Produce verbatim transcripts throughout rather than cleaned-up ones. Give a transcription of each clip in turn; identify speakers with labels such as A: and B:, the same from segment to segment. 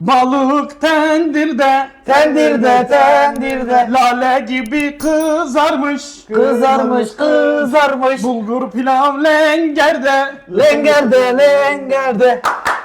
A: Balık tendirde,
B: Tendirde tendirde
A: lale gibi kızarmış,
B: kızarmış kızarmış
A: bulgur pilav lengerde.
B: lengerde lengerde.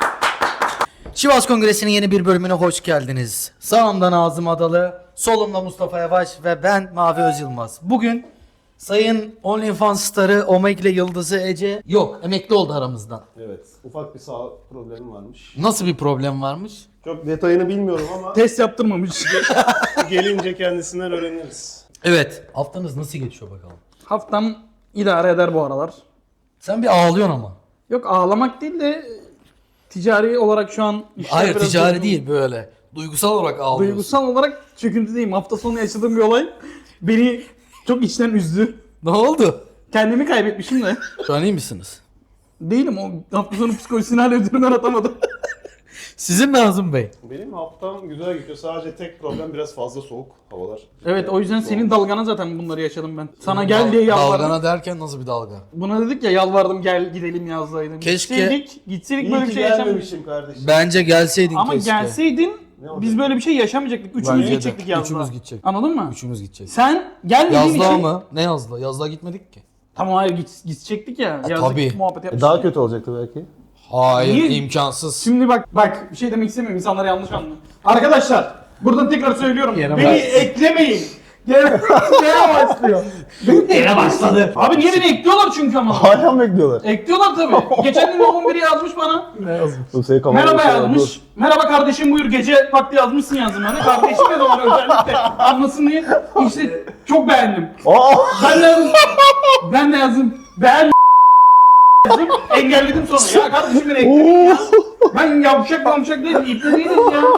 C: Sivas Kongresi'nin yeni bir bölümüne hoş geldiniz. Sağımda Nazım Adalı, solumda Mustafa Yavaş ve ben Mavi Özyılmaz. Bugün Sayın OnlyFans starı Omegle Yıldızı Ece yok, emekli oldu aramızdan.
D: Evet, ufak bir sağlık problemi varmış.
C: Nasıl bir problem varmış?
D: Çok detayını bilmiyorum ama
A: Test yaptırmamış.
D: gelince kendisinden öğreniriz.
C: Evet. Haftanız nasıl geçiyor bakalım?
A: Haftam idare eder bu aralar.
C: Sen bir ağlıyorsun ama.
A: Yok ağlamak değil de ticari olarak şu an işler
C: Hayır,
A: biraz
C: ticari
A: durgun.
C: değil, böyle. Duygusal olarak ağlıyorsun.
A: Duygusal olarak çöküntüdeyim. Hafta sonu yaşadığım bir olay beni çok içten üzdü.
C: Ne oldu?
A: Kendimi kaybetmişim de.
C: Şu an iyi misiniz?
A: Değilim, o hafta sonu psikolojisini hala üzerinden atamadım.
C: Sizin Nazım Bey.
D: Benim haftam güzel gidiyor. Sadece tek problem biraz fazla soğuk havalar.
A: Evet, o yüzden senin dalgana zaten bunları yaşadım ben. Sana gel diye yalvardım.
C: Dalgana derken nasıl bir dalga?
A: Buna dedik ya, yalvardım gel gidelim yazlaydım.
C: Keşke-
A: Gitseydik, gitseydik
D: İyi
A: böyle
D: ki
A: bir şey yaşamamıştık.
D: gelmemişim kardeşim.
C: Bence gelseydin
A: Ama
C: keşke.
A: gelseydin
D: Ne olacak?
A: biz böyle bir şey yaşamayacaktık. Üçümüz
C: Bence de.
A: gidecektik yazlığa.
C: Üçümüz gidecek.
A: Anladın mı?
C: Üçümüz gidecek.
A: Sen gelmediğin
C: Yazlığa
A: için...
C: mı? Ne yazlığa? Yazlığa gitmedik ki.
A: Tamam, hayır git, gidecektik ya. Yazlık
C: tabii.
A: muhabbet yapmıştık.
D: Daha kötü olacaktı belki.
C: Hayır,
A: Niye?
C: imkansız.
A: Şimdi bak bak bir şey demek istemiyorum, insanlar yanlış anlıyor. Arkadaşlar buradan tekrar söylüyorum.
C: Yine
A: beni
C: başladı.
A: eklemeyin. Gene gene başlıyor. Gene başladı. Abi niye beni ekliyorlar çünkü ama.
D: Hala mı bekliyorlar?
A: Ekliyorlar tabii. Geçen gün on biri yazmış bana.
C: Ne yazmış?
D: Dur, seni kafana
A: Merhaba
D: götürüyorum,
A: yazmış. Merhaba kardeşim buyur, gece vakti yazmışsın yazdım hani. Kardeşim ne zaman özellikle anlasın diye. İşte çok beğendim.
D: dur. Aa!
A: Ben de yazdım. Ben de yazdım. Beğen yazdım. Engelledim sonra. Ya kardeşim beni ekledin ya. Ben yavşak yavşak değilim. İple değilim ya.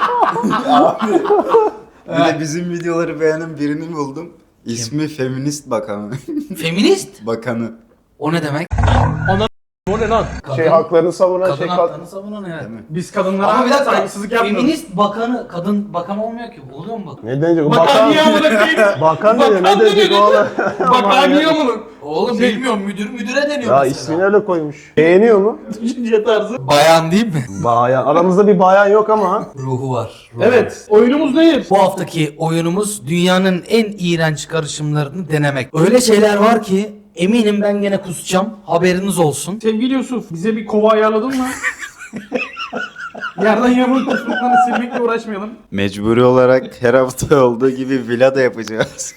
E: Bir de bizim videoları beğenen birini buldum. İsmi Feminist Bakanı.
C: Feminist?
E: Bakanı.
C: O ne demek?
A: O ne lan?
D: Şey haklarını savunan
C: Kadın
D: şey
C: haklarını savunan yani.
E: Değil mi?
A: Biz kadınlara
C: Ama bir dakika,
A: saygısızlık yapmıyoruz.
C: feminist bakanı, kadın bakan olmuyor ki. Oluyor mu bakan?
D: Ne denecek?
A: Bakan
D: Bakan.
A: niye amına koyayım?
D: Bakan diyor, ne
A: Bakan
D: denecek
A: diyor.
D: oğlum?
A: Bakan niye amına?
C: Oğlum
A: Şey-
C: bilmiyorum, müdür müdüre deniyor
D: Ya
C: mesela.
D: ismini öyle koymuş. Beğeniyor mu?
A: Düşünce tarzı.
C: Bayan değil mi?
D: Bayan. Aramızda bir bayan yok ama.
C: Ruhu var. ruhu.
A: Evet, oyunumuz nedir?
C: Bu haftaki oyunumuz dünyanın en iğrenç karışımlarını denemek. Öyle şeyler var ki eminim ben gene kusacağım. Haberiniz olsun.
A: Sevgili Yusuf, bize bir kova ayarladın mı? Yerden yamuk kusmalarını silmekle uğraşmayalım.
E: Mecburi olarak her hafta olduğu gibi villa da yapacağız.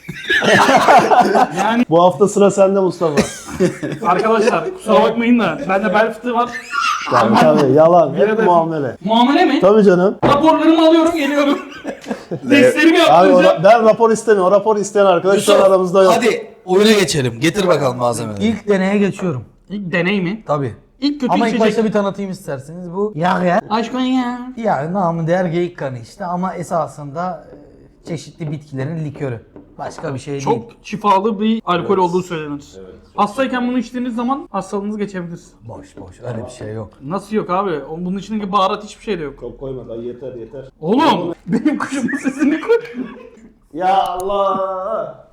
A: Yani
D: Bu hafta sıra sende Mustafa.
A: arkadaşlar kusura bakmayın da bende bel fıtığı var.
D: Tabii tabii yalan.
A: Yine
D: Hep
A: de-
D: muamele.
A: Muamele mi?
D: Tabii canım.
A: Raporlarımı alıyorum, geliyorum. Testlerimi
D: Abi o-
A: yaptıracağım.
D: ben rapor istemiyorum. O rapor isteyen arkadaş şu an
C: Yusuf,
D: aramızda yok.
C: hadi oyuna geçelim. Getir bakalım malzemeleri. İlk deneye geçiyorum.
A: İlk deney mi?
C: Tabii.
A: İlk kötü
C: Ama ilk
A: içecek.
C: başta bir tanıtayım isterseniz. Bu yağ ya.
A: Aşkın ya.
C: Yani namı değer geyik kanı işte ama esasında e, çeşitli bitkilerin likörü. Başka bir şey değil.
A: Çok şifalı bir alkol olduğu söylenir. Hastayken bunu içtiğiniz zaman hastalığınız geçebilir.
C: Boş boş, öyle bir şey yok.
A: Nasıl yok abi? O- Bunun içindeki baharat hiçbir şey de yok.
D: Çok koyma da yeter yeter.
A: Oğlum benim kuşumun sesini koy.
D: Ya Allah.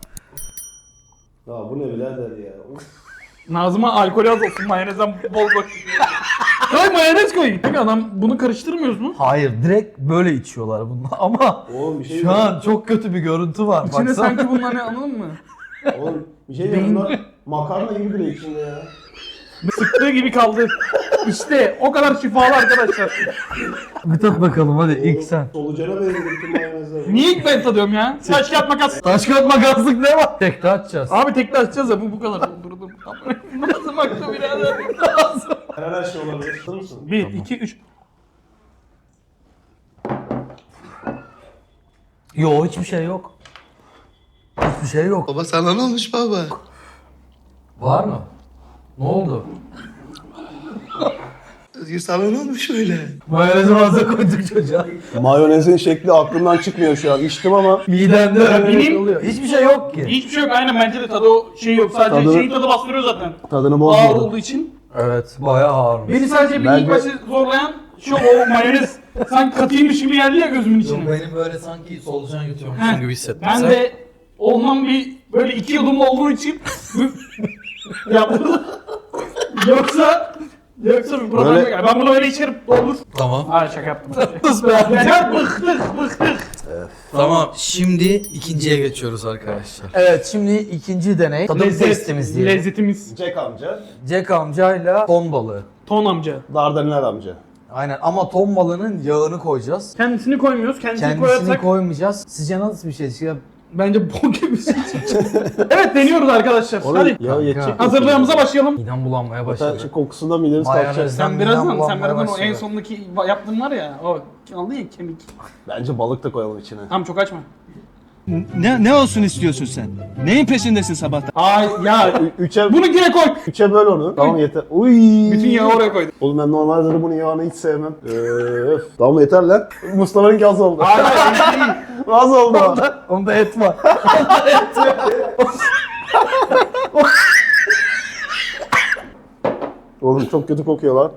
D: Ya bu ne birader ya.
A: Nazım'a alkol az olsun, mayonezden bol koy. Koy mayonez koy. Peki adam bunu karıştırmıyoruz mu?
C: Hayır, direkt böyle içiyorlar bunlar ama
D: Oğlum bir şey
C: şu an çok kötü bir görüntü var.
A: İçinde
C: Baksana.
A: sanki bunlar ne, anladın mı?
D: Oğlum bir şey diyeyim bunlar makarna gibi bile içinde ya.
A: Sıktığı gibi kaldı. İşte o kadar şifalı arkadaşlar.
C: Bir tat bakalım hadi ilk sen.
D: Solucana benziyor bütün mayonezler.
A: Niye ilk ben tadıyorum ya? Taş kağıt makas.
C: Taş kağıt makaslık ne var? Tek de açacağız.
A: Abi tekrar açacağız ya, bu bu kadar. Durdum. Nazım aktı birader. Nazım.
D: Her her şey olabilir. Hazır mısın?
A: Bir, iki, üç.
C: Yo, hiçbir şey yok. Hiçbir şey yok.
E: Baba sana ne olmuş baba?
C: Var mı? Ne oldu?
E: Özgür sana ne olmuş öyle?
C: Mayonezi fazla koyduk çocuğa.
D: Mayonezin şekli aklımdan çıkmıyor şu an. İçtim ama
C: Midende öyle
A: benim-
C: oluyor. Hiçbir şey yok ki.
A: Hiçbir şey yok, aynen bence de tadı o şey yok. Sadece
D: Tadı-
A: şeyin tadı bastırıyor zaten.
D: tadını
A: Ağır
D: bozmadı.
A: olduğu için.
C: Evet, bayağı ağır.
A: Beni sadece bir
D: Bence-
A: ilk başta zorlayan şu o mayonez. Sanki katıymış gibi geldi ya gözümün içine.
C: Benim böyle sanki solucan
A: Heh,
C: yutuyormuşum gibi hissettim.
A: Ben
C: Sen-
A: de ondan bir böyle iki yudumlu olduğu için yaptırdım. Yoksa Yoksa bir problem
D: Böyle-
A: yok. Ben bunu öyle içerim. Olur.
C: Tamam.
A: Hayır şaka yaptım.
C: Sus be.
A: Ya bıktık bıktık.
C: Tamam. Şimdi ikinciye geçiyoruz arkadaşlar.
B: Evet şimdi ikinci deney. Tadım testimiz diyelim.
A: Lezzetimiz.
D: Jack amca,
B: Jack amcayla ton balığı.
A: Ton amca.
D: Dardanel amca.
B: Aynen ama ton balığının yağını koyacağız.
A: Kendisini koymuyoruz. Kendisini,
B: Kendisini
A: koyarsak
B: koymayacağız. Sizce nasıl bir şey çıkıyor?
A: bence bok gibi bir şey Evet deniyoruz arkadaşlar. Hadi.
D: Ya yetecek.
A: Hazırlığımıza başlayalım.
B: Midem bulanmaya
D: Zaten
B: başladı.
D: şu kokusundan mideniz kalkacak.
B: Mayonez.
A: Sen
B: Midem
A: birazdan, sen
B: bulanmaya
A: birazdan o
B: başladı.
A: en sondaki yaptığın var ya, o aldın ya kemik.
D: Bence balık da koyalım içine.
A: Tamam çok açma.
F: Ne, ne olsun istiyorsun sen? Neyin peşindesin sabahtan?
A: Ay ya
D: Ü- Üçe,
A: bunu yine koy.
D: üçe böl onu. Tamam yeter. Uy.
A: Bütün yağı oraya koydum.
D: Oğlum ben normalde de bunun yağını hiç sevmem. Öf. Tamam yeter lan. Mustafa'nın gaz oldu.
A: Hayır hayır değil.
D: Gaz oldu.
B: Onda et var.
D: Oğlum çok kötü kokuyor lan.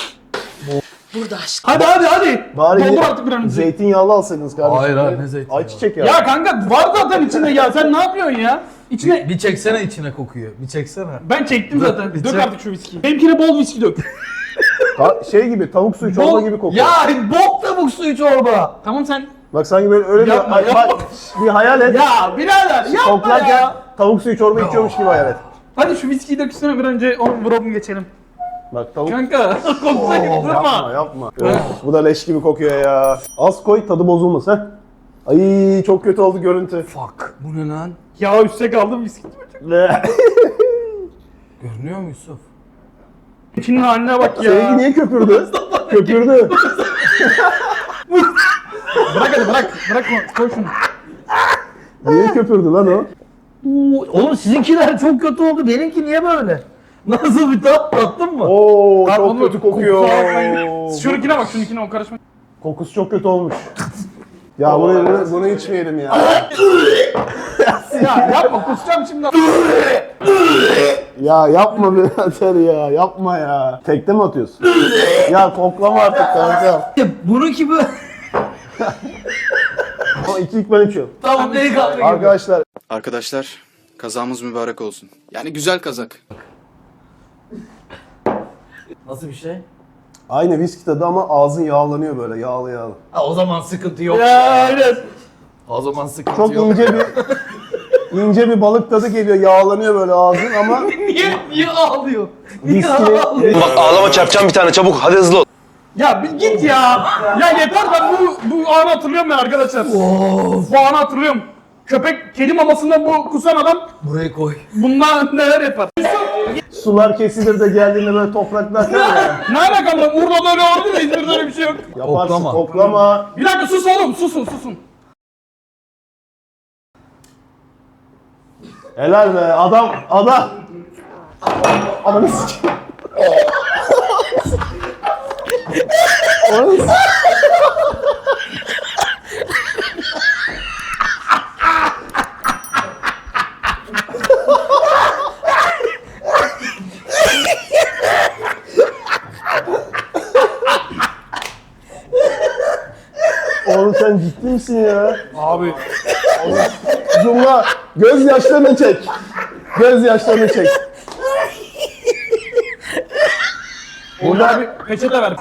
A: Hadi hadi hadi.
D: Bari
A: Doldur
D: ye-
A: artık bir an önce.
D: zeytinyağlı alsaydınız kardeşim.
B: Hayır abi, ne zeytinyağı?
D: Ayçiçek yağı.
A: Ya kanka var zaten içinde ya, sen ne yapıyorsun ya? İçine
B: Bir çeksene içine kokuyor. Bir çeksene.
A: ben çektim zaten.
B: bir
A: Dök
B: çek.
A: artık şu viskiyi. Benimkine bol viski dök.
D: Ta- şey gibi tavuk suyu çorba
A: Bol-
D: gibi kokuyor.
B: Ya bok tavuk suyu çorba.
A: Tamam sen.
D: Bak sanki böyle öyle
A: Yapma,
D: bir,
A: yapma.
D: bak, bir hayal et.
A: Ya birader yapma
D: Koklarken
A: ya.
D: tavuk suyu çorba içiyormuş gibi hayal et.
A: Hadi şu viskiyi dök üstüne bir önce onu vuralım geçelim.
D: Bak tavuk...
A: Kanka koksa gibi
D: Yapma
A: durma.
D: yapma. Öf, bu da leş gibi kokuyor ya. Az koy tadı bozulmasın ha. Ay çok kötü oldu görüntü.
B: Fuck. Bu ne lan?
A: Ya üstte kaldım viski.
D: Ne?
B: Görünüyor mu Yusuf?
A: İçinin haline bak ya.
D: Sevgi niye köpürdü? köpürdü.
A: Bırak hadi bırak. Bırak koy şunu.
D: Niye köpürdü lan o?
B: Oğlum sizinkiler çok kötü oldu. Benimki niye böyle? Nasıl bir tat tattın mı?
D: Oo
A: Bak,
D: çok
A: onu-
D: kötü kokuyor.
A: kusura bakmayın. Şununkine bak, şununkine o karışma.
D: Kokusu çok kötü olmuş. Ya bunu, bunu, bunu içmeyelim ya.
A: Ya yapma, kusacağım şimdi.
D: Ya yapma birader ya, yapma ya. Tekte mi atıyorsun? Ya koklama artık kanka.
B: Bununki böyle.
D: Ama iki ilk ben içiyorum.
B: Tamam delikanlı gibi.
D: Arkadaşlar
E: Arkadaşlar kazamız mübarek olsun. Yani güzel kazak.
B: Nasıl bir şey?
D: aynı viski tadı ama ağzın yağlanıyor böyle yağlı yağlı.
B: Ha, o zaman sıkıntı yok.
A: Ya aynen.
B: O zaman sıkıntı
D: Çok
B: yok.
D: ince bir ince bir balık tadı geliyor yağlanıyor böyle ağzın ama
B: Niye, niye ağlıyor? Niye
D: viskinin
B: ağlıyor?
G: Bak ağlama çarpacağım bir tane çabuk hadi hızlı ol.
A: Ya bir git ya. Ya yeter, ben bu bu anı hatırlıyorum ya arkadaşlar.
B: Of.
A: Bu anı hatırlıyorum. Köpek kedi mamasından bu kusan adam
B: Buraya koy.
A: bundan neler yapar?
D: sular kesilir de geldiğinde böyle topraklar kalıyor ya.
A: Ne alakalı? Urla'da öyle oldu da İzmir'de öyle bir şey yok.
D: Yaparsın
B: Koklama.
D: koklama.
A: Bir dakika sus oğlum, susun susun.
D: Helal be adam adam. Ananı sikeyim. Ananı sikeyim. Oğlum sen ciddi misin ya?
A: Abi.
D: Zoomla göz yaşlarını çek. Göz yaşlarını çek.
A: Burada bir peçete ver.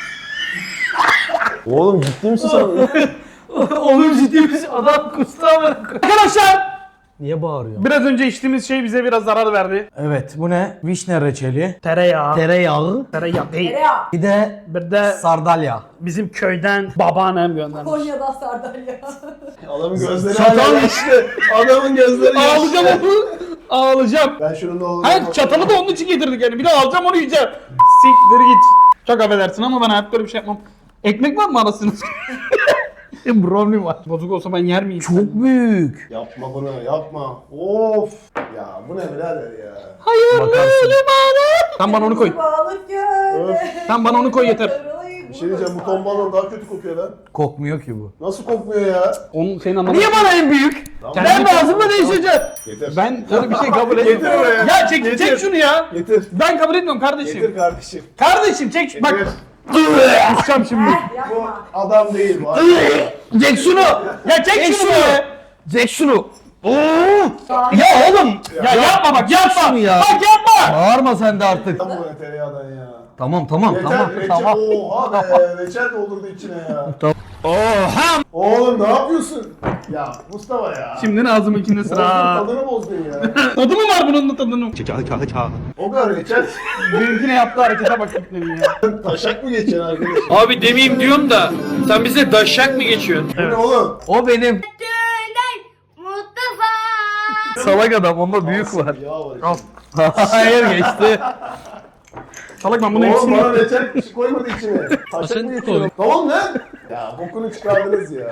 D: Oğlum ciddi misin sen?
B: Oğlum ciddi misin? Adam kustu ama.
A: Arkadaşlar,
B: Niye bağırıyor?
A: biraz önce içtiğimiz şey bize biraz zarar verdi.
B: Evet bu ne? Vişne reçeli.
A: Tereyağı.
B: Tereyağı.
A: Tereyağı değil.
B: Bir de
A: Bir de
B: sardalya.
A: bizim köyden babaannem göndermiş.
H: Konya'da sardalya.
D: Adamın gözleri
A: Çatal-
D: hala yaşlı. Adamın gözleri yaşlı.
A: Ağlayacağım onu. Ağlayacağım.
D: Ben şunu ne olur.
A: Hayır, çatalı da onun için getirdik yani. Bir de alacağım onu yiyeceğim. Siktir git. Çok affedersin ama ben hayatta böyle bir şey yapmam. Ekmek var mı arasında? Brownie var. Bozuk olsa ben yer miyim?
B: Çok büyük.
D: Yapma bunu yapma. Of. Ya bu ne birader ya.
A: Hayırlı limanı. Sen bana onu koy.
H: Balık gölde.
A: Sen bana onu koy yeter.
D: Bir şey diyeceğim bu ton balon daha kötü kokuyor lan.
B: Kokmuyor ki bu.
D: Nasıl kokmuyor ya?
A: Onun senin anlamadığın.
B: Niye bana en büyük?
A: Ben
B: Ben ağzımda değişeceğim.
D: Getir.
A: Ben öyle bir şey kabul etmiyorum.
D: Getir oraya.
A: Ya çek,
D: Getir.
A: çek şunu ya.
D: Getir.
A: Ben kabul etmiyorum kardeşim.
D: Getir kardeşim.
A: Kardeşim çek şu- bak.
D: Getir.
A: Kusacağım şimdi.
H: Eh,
D: Bu
H: yapma.
D: adam değil bu.
B: Çek şunu.
A: Ya çek şunu be.
B: Çek şunu. Oo. Ya oğlum.
A: Ya yapma bak, yapma.
B: şunu ya.
A: Bak yapma.
B: Bağırma sen de artık.
D: Tam bu ne tereyağdan ya.
B: Tamam tamam
D: Yeter
B: tamam
D: reçel.
B: tamam.
D: Oha be reçel doldurdu içine ya. Oha! Oğlum ne yapıyorsun? Ya Mustafa ya.
A: Şimdi ağzımınkinde
D: Bozdun,
A: sıra.
D: tadını bozdun ya.
A: Tadı mı var bunun da tadının?
D: O kadar reçel.
A: Benimkine yaptığı harekete bak gitmedi ya.
D: Taşak mı geçeceksin arkadaş?
I: Abi demeyeyim diyorum da sen bize daşak mı geçiyorsun?
D: Bu ne oğlum?
B: O benim.
H: Mustafa.
B: Salak adam onda büyük var.
D: Ya var.
B: Hayır geçti.
A: Salak ben bunu
D: Oğlum
A: hepsini...
D: bana reçel bir şey koymadı içine. Taşak mı geçiyorsun? Tamam lan. Ya bokunu çıkardınız ya.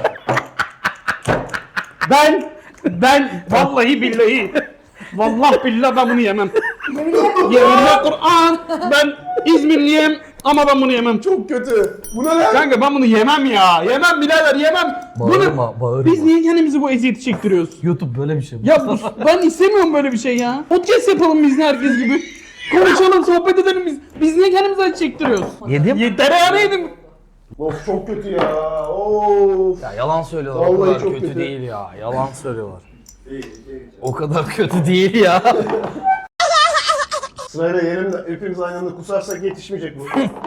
A: Ben, ben vallahi billahi, vallahi billahi ben bunu yemem. Yeminle Kur'an, ben İzmirliyim ama ben bunu yemem.
D: Çok kötü. Bu ne lan?
A: Kanka ben bunu yemem ya, yemem birader yemem.
B: Bağırma
A: Bunu,
B: bağırma.
A: biz niye kendimizi bu eziyeti çektiriyoruz?
B: YouTube böyle bir şey.
A: Ya bu, ben istemiyorum böyle bir şey ya. Podcast yapalım biz de herkes gibi. Konuşalım, sohbet edelim biz. Biz niye kendimizi acı çektiriyoruz?
B: Yedim.
A: Ye, tereyağı yedim.
D: Of çok kötü ya. Of.
B: Ya yalan söylüyorlar.
D: Vallahi
B: o kadar
D: çok
B: kötü,
D: kötü.
B: değil ya. Yalan söylüyorlar. O kadar kötü değil ya.
D: Sırayla yerim de hepimiz aynı anda kusarsak yetişmeyecek bu.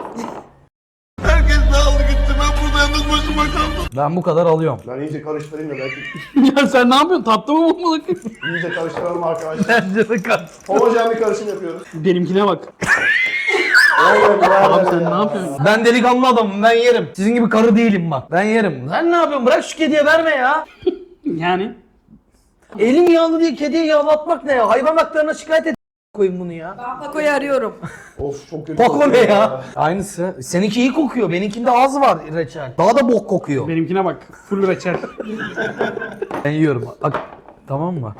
B: Ben bu kadar alıyorum.
D: Ben iyice karıştırayım da belki.
A: Ya sen ne yapıyorsun? Tatlı mı bu balık?
D: İyice karıştıralım arkadaşlar.
B: Bence de kaç.
D: Homojen bir karışım yapıyoruz.
A: Benimkine bak.
D: Oğlum
A: Abi
D: ya.
A: sen ne yapıyorsun?
B: Ben delikanlı adamım, ben yerim. Sizin gibi karı değilim bak. Ben yerim. Sen ne yapıyorsun? Bırak şu kediye verme ya.
A: Yani?
B: Elim yağlı diye kediye yağlatmak ne ya? Hayvan haklarına şikayet et koyun bunu ya.
H: Ben Pako'yu arıyorum.
D: Of çok kötü.
B: Bak o ne
D: kokuyor
B: ya? Aynısı. Seninki iyi kokuyor. Benimkinde az var reçel. Daha da bok kokuyor.
A: Benimkine bak. Full reçel.
B: Ben yiyorum. Bak. Tamam mı?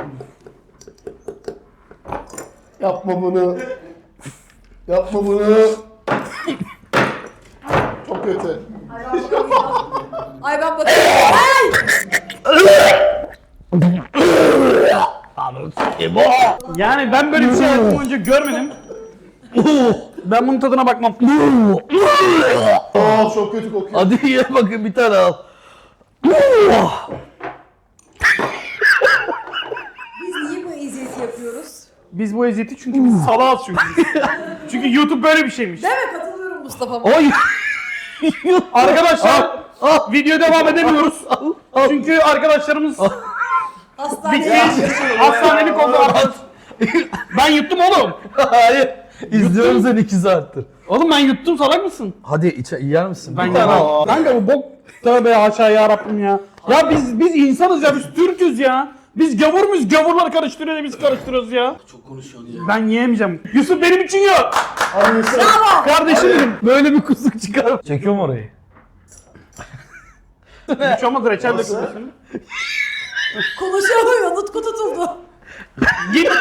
D: Yapma bunu. Yapma bunu. Çok kötü.
H: Ay ben bakıyorum.
A: Yani ben böyle bir şey hayatım boyunca görmedim. Ben bunun tadına bakmam.
D: Aa çok kötü kokuyor.
B: Hadi ye bakın bir tane al.
H: Biz niye bu eziyeti yapıyoruz?
A: Biz bu eziyeti çünkü biz salağız çünkü. çünkü YouTube böyle bir şeymiş.
H: Değil mi? Katılıyorum Mustafa'ma.
B: Oy.
A: Arkadaşlar
B: Al.
A: video devam edemiyoruz. Çünkü arkadaşlarımız
H: Hastaneye
A: bitmiş. Hastanelik oldu arkadaş. Ben yuttum oğlum.
B: Hayır. İzliyorum seni iki saattir.
A: Oğlum ben yuttum, salak mısın?
B: Hadi içe yer misin?
A: Ben
B: Bir tane
A: yemem.
B: al.
A: Kanka bu bok. Tövbe haşa ya Rabbim ya. Ya biz biz insanız ya, biz Türk'üz ya. Biz gavur muyuz? Gavurlar karıştırıyor da biz karıştırıyoruz ya. Çok konuşuyorsun ya. Ben yiyemeyeceğim. Yusuf benim için yok.
D: Hadi Yusuf.
A: Kardeşim benim.
B: Böyle bir kusuk çıkar. Çekiyorum orayı.
A: Hiç olmaz reçel
D: Nasıl?
A: dökülmesin.
H: konuşamıyor. Nutku tutuldu.
A: Git.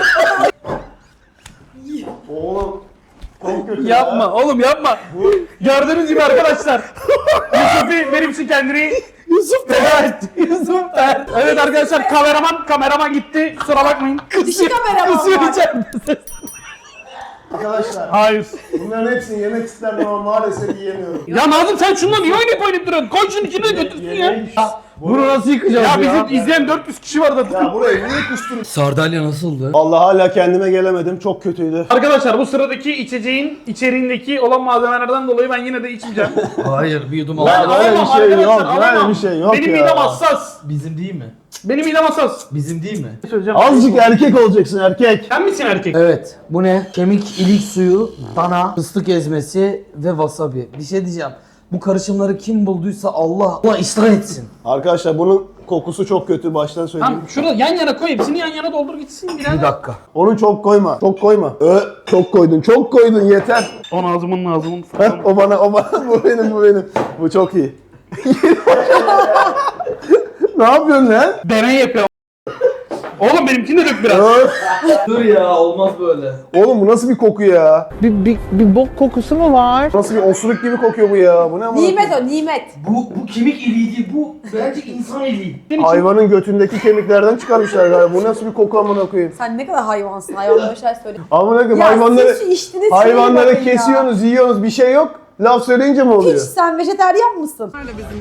D: Oğlum. Çok kötü
A: Yapma
D: ya.
A: oğlum yapma. Gördüğünüz gibi arkadaşlar. Yusuf'u benim için kendini Yusuf feda etti. Yusuf feda. Evet arkadaşlar kameraman kameraman gitti. Kusura bakmayın.
H: Dişi kameraman var.
D: Arkadaşlar
A: Hayır.
D: bunların hepsini yemek isterdim ama maalesef yiyemiyorum.
A: Ya Nazım sen şundan niye oynayıp oynayıp duruyorsun? Koy şunun içine götürsün ya.
D: Yemeği-
B: Bunu nasıl yıkacağız
A: Ya
B: ya?
A: bizim izleyen dört yüz kişi var zaten.
D: Ya burayı niye kusturun?
B: Sardalya nasıldı?
D: Allah hala kendime gelemedim. Çok kötüydü.
A: Arkadaşlar bu sıradaki içeceğin içeriğindeki olan malzemelerden dolayı ben yine de içmeyeceğim.
B: Hayır bir yudum
D: Lan
B: al.
D: öyle bir şey
A: arkadaşlar,
D: yok. Öyle
A: alamam.
D: bir şey yok
A: Benim
D: ya.
A: midem hassas.
B: Bizim değil mi?
A: Benim midem hassas.
B: Bizim değil mi?
A: Söyleyeceğim.
D: Azıcık erkek olacaksın erkek.
A: Sen misin erkek?
B: Evet. Bu ne? Kemik ilik suyu, dana, fıstık ezmesi ve wasabi. Bir şey diyeceğim. Bu karışımları kim bulduysa Allah Allah ıslah etsin.
D: Arkadaşlar bunun kokusu çok kötü baştan söyleyeyim.
A: Tamam şurada yan yana koy, hepsini yan yana doldur gitsin.
B: Bir dakika.
D: Onu çok koyma. Çok koyma. Ö, çok koydun. Çok koydun yeter.
A: On ağzımın ağzımın.
D: Heh, o bana o bana bu benim bu benim. Bu çok iyi. Ne yapıyorsun lan?
A: Deney yapıyor. Oğlum benimkini de dök biraz.
D: Öf.
B: Dur ya olmaz böyle.
D: Oğlum bu nasıl bir koku ya?
B: Bir, bir, bir bok kokusu mu var?
D: Nasıl bir osuruk gibi kokuyor bu ya? Bu ne amına
H: Nimet
D: koyayım?
H: o nimet.
B: Bu, bu kemik iliği değil, bu bence insan iliği.
D: Hayvanın götündeki kemiklerden çıkarmışlar galiba. Bu nasıl bir koku amına koyayım?
H: Sen ne kadar hayvansın. Hayvanlara şey söyle.
D: Amına koyayım
H: Ya
D: hayvanları
H: siz şu içtiğiniz şeye
D: hayvanları
H: bakın ya.
D: kesiyorsunuz, yiyorsunuz. Bir şey yok. Laf söyleyince mi
H: Hiç
D: oluyor?
H: sen vejeteryan mısın?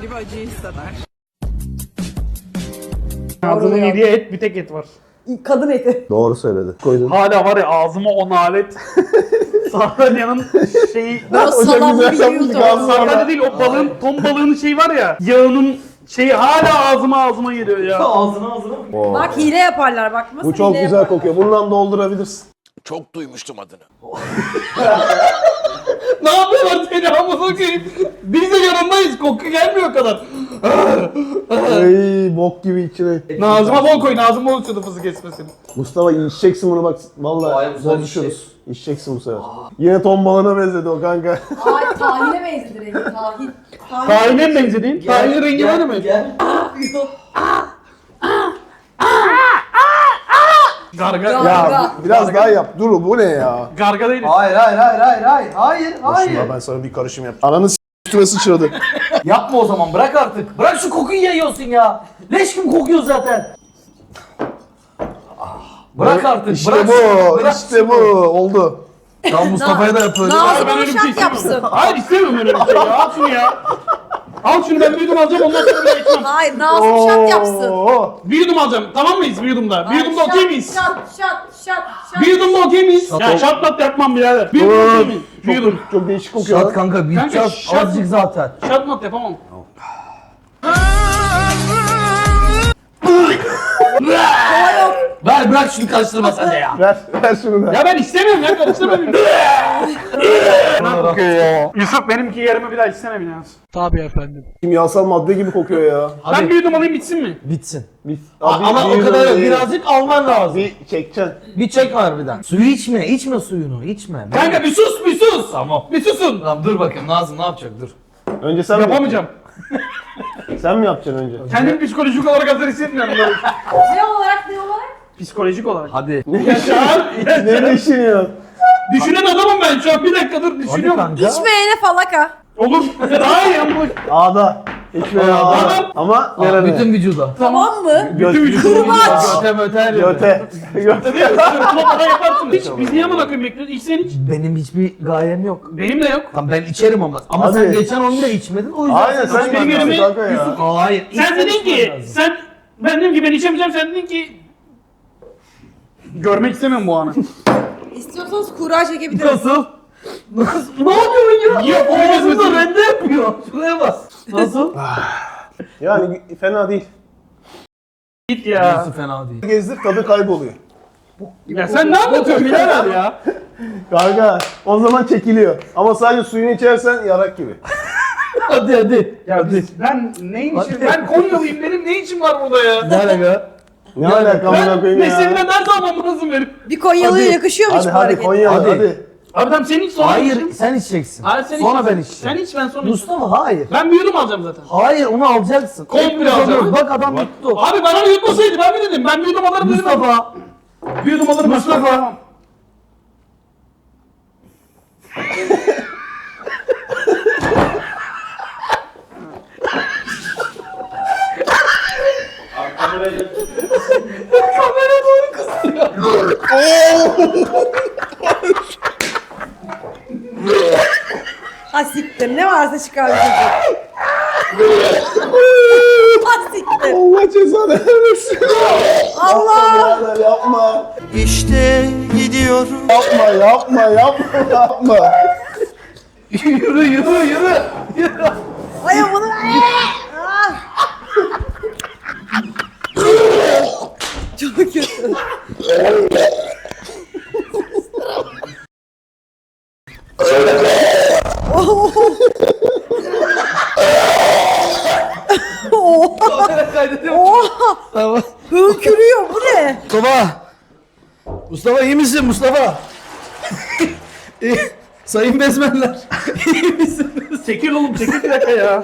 A: Ağzının
H: Doğru ya.
A: yediği et, bir tek et var.
H: Kadın eti.
D: Doğru söyledi. Koydun.
A: Hala var ya ağzıma on alet. Sardalya'nın şeyi...
H: Ben o
D: çok
H: salamı
D: güzel yapmış,
H: biliyordum.
D: gazlı.
A: Sardalya değil o balığın, ton balığının şeyi var ya. Yağının şeyi hala ağzıma ağzıma geliyor ya.
C: Ağzına ağzına mı?
D: Oo.
H: Bak hile yaparlar bak. Nasıl
D: Bu çok
H: hile
D: güzel
H: yaparlar.
D: kokuyor. Bundan doldurabilirsin.
G: Çok duymuştum adını.
A: Ne yapıyorlar seni amına koyayım? Biz de yanındayız. Koku gelmiyor o kadar.
D: Ey bok gibi içine.
A: Nazıma bol koy. Nazım bol içiyordu fızı kesmesin.
D: Mustafa içeceksin bunu bak.
C: Hayır,
D: Vallahi
C: güzel
D: bozuşuruz. İçeceksin bu sefer. Yine ton balığına benzedi o kanka.
H: Ay tahine benzedi rengi tahin. Tahin.
A: Tahine mi benzedin? Tahine rengi var mı?
C: Gel.
A: Garga.
H: Garga.
D: Ya biraz daha yap. Dur bu ne ya?
A: Garga değiliz.
C: Hayır hayır hayır hayır hayır hayır hayır.
D: Şuna ben sana bir karışım yapacağım. Ananı s*** üstüme sıçradı.
C: Yapma o zaman bırak artık. Bırak şu kokuyu yayıyorsun ya. Leş gibi kokuyor zaten. Bırak artık.
D: İşte
C: bırak
D: bu.
C: şunu, bırak
D: işte
C: şunu.
D: bu. Oldu.
C: Tam Mustafa'ya da yapıyor.
H: Nazım
A: Ben
H: onu
A: öyle bir şey
H: şart
A: istemiyorum.
H: yapsın.
A: Hayır istemiyorum öyle bir şey ya. Al şunu ya. Al şunu ben bir yudum alacağım ondan sonra bir içmem.
H: Hayır Nazım şart yapsın.
D: Oo.
A: Bir yudum alacağım. Tamam mıyız bir yudumda? Bir yudumda okey miyiz?
H: Şat şat şat şat.
A: Bir yudumda okey miyiz? Ya şart lat yapmam birader. Bir yudum okey miyiz? Bir yudum.
D: Çok, çok değişik kokuyor.
C: Şat
D: lan.
C: kanka büyük
A: Kanka,
C: şat.
A: şat-
C: Azıcık zaten.
A: Şart lat yapamam.
C: Ver bırak şunu karıştırma sen de ya.
D: Ver, ver şunu da.
A: Ya ben istemiyorum ya karıştırma beni. Ne kokuyor ya? Yusuf benimki yerime bir daha içsene biraz.
D: Kimyasal madde gibi kokuyor ya.
A: Ben bir yudum alayım bitsin mi?
C: Bitsin.
D: Bir,
C: Ama
D: bir-
C: o kadar yok.
D: bir-
C: Birazcık alman lazım.
D: Bir çekeceksin.
C: Bir çek harbiden. Suyu içme. içme suyunu. içme.
A: Kanka bir sus bir sus.
C: Tamam.
A: Bir susun.
C: Tamam dur bakayım Nazım ne yapacak dur.
D: Önce sen mi
A: Yapamayacağım.
D: yapacaksın? Sen mi yapacaksın önce?
A: Kendim psikolojik olarak hazır hissetmiyorum. böyle.
H: Ne olarak ne olarak?
A: Psikolojik olarak.
C: Hadi.
A: Yaşar.
D: Ne düşünüyorsun?
A: Düşünen adamım ben şu an. Bir dakika dur
C: Hadi
A: düşünüyorum.
C: kanka.
H: İçmeyene falaka.
A: Olur. Daha iyi ama.
D: Ağda. Hiçbir ağda. Ama
C: Aa,
D: nerede?
C: bütün vücuda.
H: Tamam mı?
D: Göt,
A: Bütün vücudu.
H: Kırbaç.
C: Göte möte her yere.
D: Göte. Göte.
A: Sırtına kadar yaparsın. Hiç biz niye amına koyayım bekliyoruz? İç sen iç.
C: Benim hiçbir gayem yok.
A: Benim de yok.
C: Tamam ben içerim ama. Ama
D: Hadi.
C: sen geçen onu da içmedin o yüzden.
D: Aynen sen
A: Benim
D: benim
A: yerime-
D: kanka ya.
C: Hayır.
A: Sen
C: içmen
A: dedin
C: içmen
A: ki
C: lazım.
A: sen ben dedim ki ben içemeyeceğim sen dedin ki görmek istemiyorum bu anı.
H: İstiyorsanız kura çekebiliriz.
C: Nasıl? Nasıl? Ne yapıyorsun ya?
A: Niye koyuyorsun
C: Ağzında
A: sen?
C: rende yapıyor. Şuraya bas. Nasıl?
D: Yani fena değil.
A: Git ya.
C: Nasıl fena değil.
D: Gezdir tadı kayboluyor.
A: Ya sen ne anlatıyorsun birader ya?
D: Kanka o zaman çekiliyor. Ama sadece suyunu içersen yarak gibi.
C: Hadi hadi.
A: Ya biz, ben neyin için? Ben Konyalıyım benim ne için var burada ya?
C: Ne alaka?
D: Ne alaka amına
A: Ben
D: koyayım ya.
A: mesleğimden ders almam lazım benim.
H: Bir Konyalı'ya yakışıyormuş
D: Hadi
H: bu
D: hadi
H: hareket.
D: Konyalı
C: Hadi.
D: hadi.
A: Abi tamam sen iç sonra
C: Hayır
A: içeyim.
C: sen içeceksin.
A: Hayır sen
C: Sonra
A: iç.
C: ben içeceğim.
A: Sen iç ben sonra içeyim.
C: Mustafa hayır.
A: Ben bir yudum alacağım zaten.
C: Hayır onu alacaksın.
A: Komple
C: Hepimiz
A: alacağım.
C: alıyoruz. Bak adam tuttu.
A: Abi bana bir yutmasaydı ben mi dedim? Ben bir yudum alırım dedim.
C: Mustafa.
A: Bir yudum alırım. Mustafa. Tamam.
H: Ha siktir ne varsa çıkar bir çocuk. Ha siktir.
D: Allah cezanı vermesin.
H: Allah.
D: Birader yapma.
F: İşte gidiyorum.
D: Yapma yapma yapma yapma.
C: Yürü yürü yürü. Yürü.
H: Ay bunu. Ah. Çok kötü.
C: Kamera kaydediyor.
H: Oha.
C: Tamam.
H: Hırkürüyor bu ne?
C: Mustafa. Mustafa iyi misin Mustafa? İyi. Sayın bezmenler. İyi misiniz?
A: Çekil oğlum çekil bir dakika ya.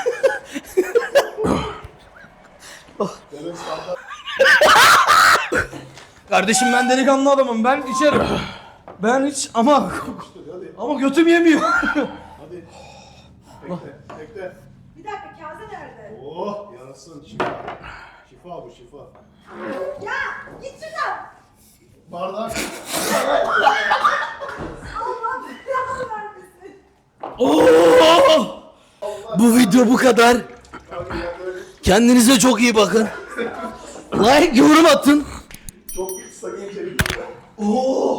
C: Kardeşim ben delikanlı adamım. Ben içerim. Ben hiç ama ama götüm yemiyor.
D: Bekle.
H: Bir dakika kase nerede?
D: Oh yarasın şifa. Şifa bu şifa.
H: Ya git şuradan.
D: Bardak.
H: Allah belanı vermesin.
C: Oo! Bu video bu kadar. Kendinize çok iyi bakın. Like, yorum atın.
D: Çok sakın içerik.
C: Oo!